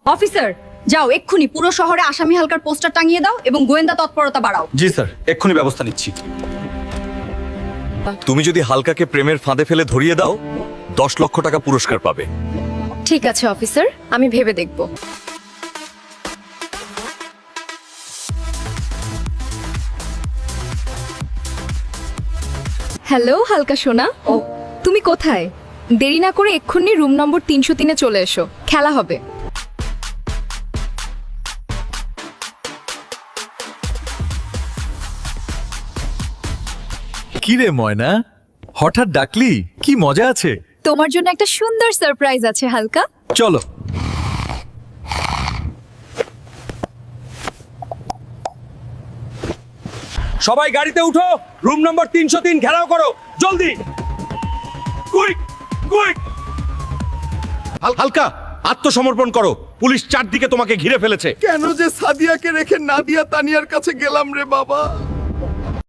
Officer, যাও এক্ষুনি পুরো শহরে আসামি হালকার পোস্টার টাঙিয়ে দাও এবং গোয়েন্দা তৎপরতা বাড়াও। জি স্যার, এক্ষুনি ব্যবস্থা নিচ্ছি। তুমি যদি হালকাকে প্রেমের ফাঁদে ফেলে ধরিয়ে দাও 10 লক্ষ টাকা পুরস্কার পাবে। ঠিক আছে অফিসার, আমি ভেবে দেখব। হ্যালো হালকা সোনা, ও তুমি কোথায়? দেরি না করে এক্ষুনি রুম নম্বর 303-এ চলে এসো, খেলা হবে। কি রে ময়না, হঠাৎ ডাকলি? কি মজা আছে? তোমার জন্য একটা সুন্দর সারপ্রাইজ আছে হালকা। চলো। সবাই গাড়িতে উঠো, রুম নম্বর 303 ঘেরাও করো, জলদি। Quick quick. হালকা, আত্মসমর্পণ করো, পুলিশ চারদিকে তোমাকে ঘিরে ফেলেছে। কেন যে সাদিয়াকে রেখে নাদিয়া তানিয়ার কাছে গেলাম রে বাবা।